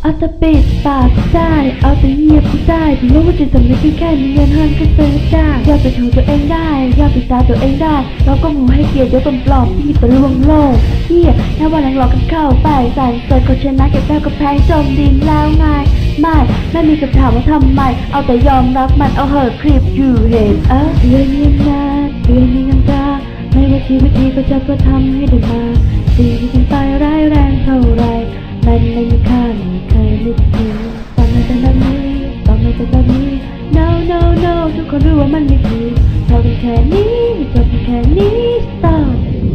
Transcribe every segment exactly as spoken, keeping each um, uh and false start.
เอาแต่ปิดปากได้เอาแต่เงียบกูได้ถึงรู้ว่าจิตสำนึกแค่มีเงินห้างก็ซื้อได้อยากไปถูตัวเองได้อยากไปตาตัวเองได้เราก็มูให้เกียรติยศปลอมที่ตะลวงโลกเฮียแค่วันหลังหลอกกันเข้าไปสารเสร็จก็ชนะเก็บแก้วกับแพงจมดินแล้วไงไม่ไม่มีคำถามว่าทำไมเอาแต่ยอมรับมันเอาเหอะคลิปอยู่เห็นเออเรียนเงียบนาเรียนมีน้ำตาไม่ว่าชีวิตนี้ก็จะเพื่อทำให้ได้มาสิ่งที่เป็นไปร้ายแรงเท่าไรมันไม่มีค่าไม่เคยนึกถึงตอนไม่เป็นแบบนี้ตอนไม่เป็นแบบนี้ no no no ทุกคนรู้ว่ามันไม่ถูกพอเป็นแค่นี้ไม่จบแค่นี้ stop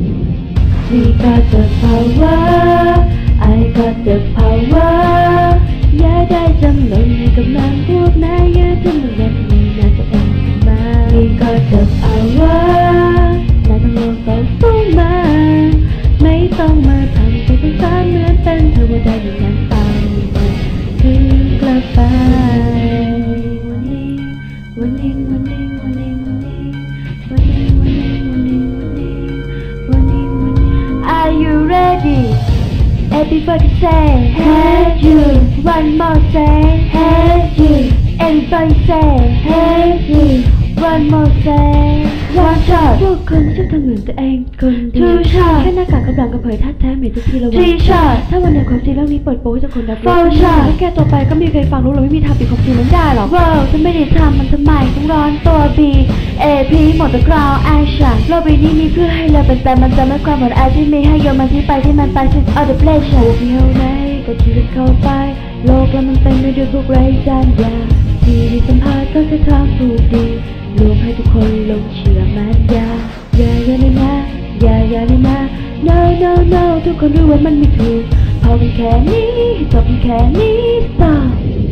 we got the power I got the power อย่าได้จำนนกับนางพวกนายอย่าทำแบบนี้นะตัวเองมา we got the power นายต้องลองต่อสู้มาไม่ต้องมาทำเป็นสารเหมือนเป็นเธอว่าได้อย่างนั้นตามมันคือกลับไปวันนี้วันนี้วันนี้วันนี้วันนี้วันนี้วันนี้วันนี้วันนี้ Are you ready? Everybody say hey you one more say hey you Everybody say hey you one more say one shot พวกคนชอบทำเหมือนตัวเองคนเดียว two shot แค่หน้ากากกำลังกระเผยท่าแท้เหม็นทุกทีละวัน three shot ถ้าวันไหนความจริงเรื่องนี้เปิดโป๊ให้ทุกคนรับรู้ four shot แค่ตัวไปก็มีใครฟังรู้เราไม่มีทางปิดความจริงนั้นได้หรอก wow จะไม่ได้ทำมันทำไมต้องร้อนตัว B A P หมด the ground action โลกใบนี้มีเพื่อให้เราเป็นแต่มันจะไม่ความหมดอาที่มีให้โยนมันที่ไปที่มันไป since all the pleasure เที่ยวไหนก็ชีวิตเข้าไปโลกแล้วมันเต็มไปด้วยพวกไร้สัญญาที่มีสัมภาษณ์ก็แค่ทางถูกดีรวมให้ทุกคนลงเชื่อมันอย่าอย่าอย่าเลยนะอย่าอย่าเลยนะ no no no ทุกคนรู้ว่ามันไม่ถูกพอเป็นแค่นี้จบเป็นแค่นี้ stop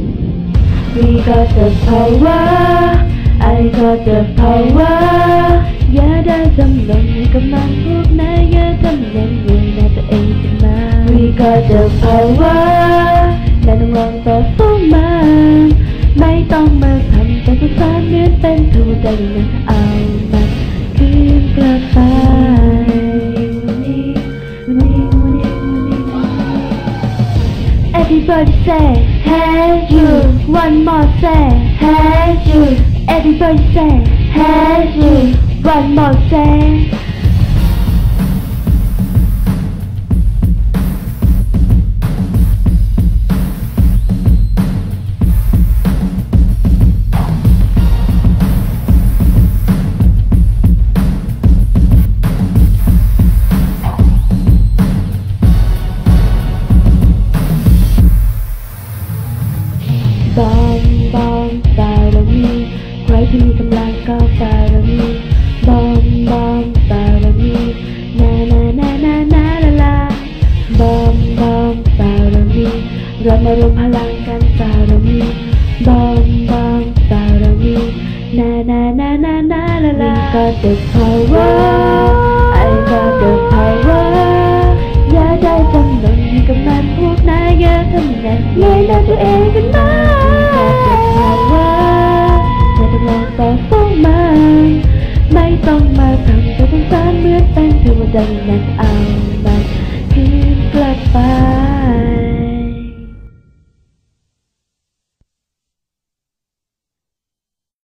we got the power I got the power อย่าได้จำลงให้กำลังพวกนายอย่าทำเล่นเรื่องในตัวเองขึ้นมา we got the power นายต้องลองต่อสู้มันไม่ต้องมาทำเป็นผู้สานเหมือนเป็นทูตแต่ยังนั้นเอามันคืนกลับไปวันนี้วันนี้วันนี้วันนี้วันนี้ Everybody say hey you one more say hey you Everybody say hey you one more sayบอมบอมบารมีใครที่มีกำลังก็บารมีบอมบอมบารมีนานานานานาลาลาบอมบอมบารมีเรามารวมพลังกันบารมีบอมบอมบารมีนานานานานาลาลา We got the power I got the power อย่าได้จำนนให้กับมันพวกนายอย่าทำแบบนี้นะตัวเองกันมาต่อสู้มันไม่ต้องมาทำตัวสงสารเหมือนเป็นเทวดาอย่างนั้นเอา